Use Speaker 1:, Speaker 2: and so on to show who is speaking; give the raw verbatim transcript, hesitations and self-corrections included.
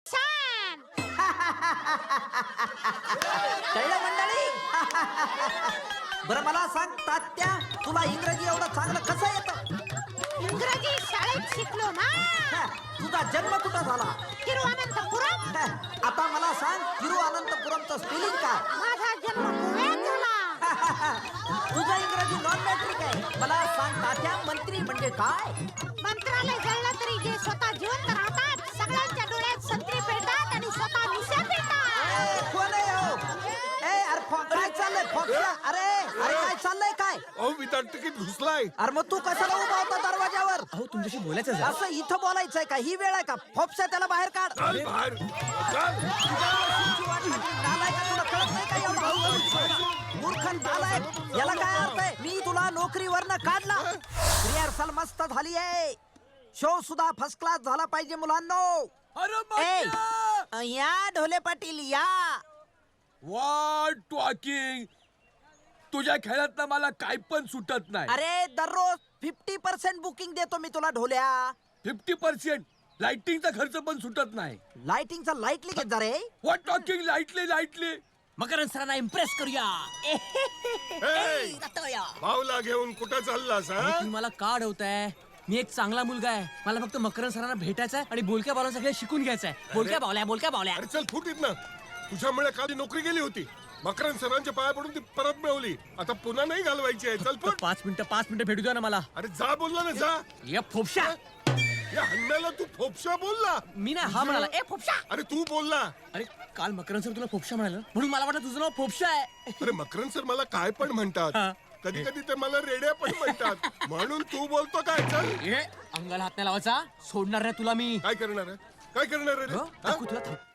Speaker 1: छान.
Speaker 2: कळलं मंडळी? बरं मला सांग तात्या, तुला इंग्रजी एवढं चांगलं कसं येतं?
Speaker 1: इंग्रजी शाळेत शिकलो ना.
Speaker 2: हा, तुझा जन्म कुठं झाला?
Speaker 1: तिरुअनंतपुरम.
Speaker 2: हा, आता मला सांग तिरुअनंतपुरमचं स्पेलिंग काय?
Speaker 1: माझा जन्म पुण्यात झाला.
Speaker 2: तुझं इंग्रजी नॉन मॅट्रिक आहे. मला सांग तात्या, मंत्री म्हणजे काय?
Speaker 1: मंत्रालय जळलं तरी जे स्वतः जिवंत राहतात, सगळ्यांच्या डोळ्यात संत्री पेटतात आणि स्वतः मिशा पेटतात.
Speaker 2: ए, कोण आहे हो? ए, अरे फो- काय चाललंय फोक्या? अरे अरे काय चाललंय काय?
Speaker 3: अहो विदाउट तिकीट घुसलाय.
Speaker 2: अरे मग तू कशाला उभा होता दरवाजावर?
Speaker 4: अहो तुमच्याशी बोलायचं आहे.
Speaker 2: असं इथं बोलायचंय का? ही वेळ आहे का? फोपसा त्याला बाहेर काढ.
Speaker 3: चल बाहेर चल.
Speaker 2: नालायक का? तुला कळत नाही का एवढं हळूहळू? मूर्ख नालायक, याला काय अर्थ आहे? मी तुला नोकरीवरनं काढला. रिहर्सल मस्त झाली आहे. शो सुद्धा फर्स्ट क्लास झाला पाहिजे मुलांनो. ए, या ढोले पाटील या.
Speaker 3: What talking. तुझ्या खेळात मला काय पण सुटत नाही.
Speaker 2: अरे दररोज फिफ्टी पर्सेंट बुकिंग देतो मी तुला ढोल्या.
Speaker 3: फिफ्टी पर्सेंट लाइटिंगचा खर्च पण सुटत नाही.
Speaker 2: लाइटिंगचा लाईटली घेत जा रे.
Speaker 3: What talking lightly lightly.
Speaker 4: Makarand सरांना इम्प्रेस करूया.
Speaker 3: ए, भाऊला घेऊन कुठं चाललास हा?
Speaker 4: तुम्ही मला का अडवताय? मी एक चांगला मुलगा आहे. मला फक्त मकरंद सरांना भेटायचं आहे आणि बोलक्या बावल्या सगळे शिकून घ्यायचं आहे. बोलक्या बावल्या बोलक्या बावल्या.
Speaker 3: अरे चल फुट ना. तुझ्यामुळे काल नोकरी गेली होती. मकरंद सरांच्या पाया पडून ती परत मिळवली. आता पुन्हा नाही घालवायची आहे. चल
Speaker 4: फक्त
Speaker 3: फुट.
Speaker 4: पाच मिनिटं पाच मिनिटं भेटू द्या ना मला.
Speaker 3: अरे जा बोलला ना जा.
Speaker 4: ये फोपशा.
Speaker 3: या हन्म्याला तू फोपशा बोलला.
Speaker 4: मी नाही हा म्हणाला. ए फोपशा.
Speaker 3: अरे तू बोलला.
Speaker 4: अरे काल मकरंद सर तुला फोपशा म्हणाला म्हणून मला वाटलं तुझं नाव फोपशा आहे.
Speaker 3: अरे मकरंद सर मला काय पण म्हणतात.
Speaker 4: हा.
Speaker 3: कधी कधी ते मला रेड्या पण म्हणतात. म्हणून तू बोलतो काय. चल
Speaker 4: ए अंगाला हात नाही लावायचा. सोडणार नाही तुला मी.
Speaker 3: काय करणार आहे? काय करणार आहे रे?
Speaker 4: हो?
Speaker 3: हा?
Speaker 4: दाखवू तुला थांब.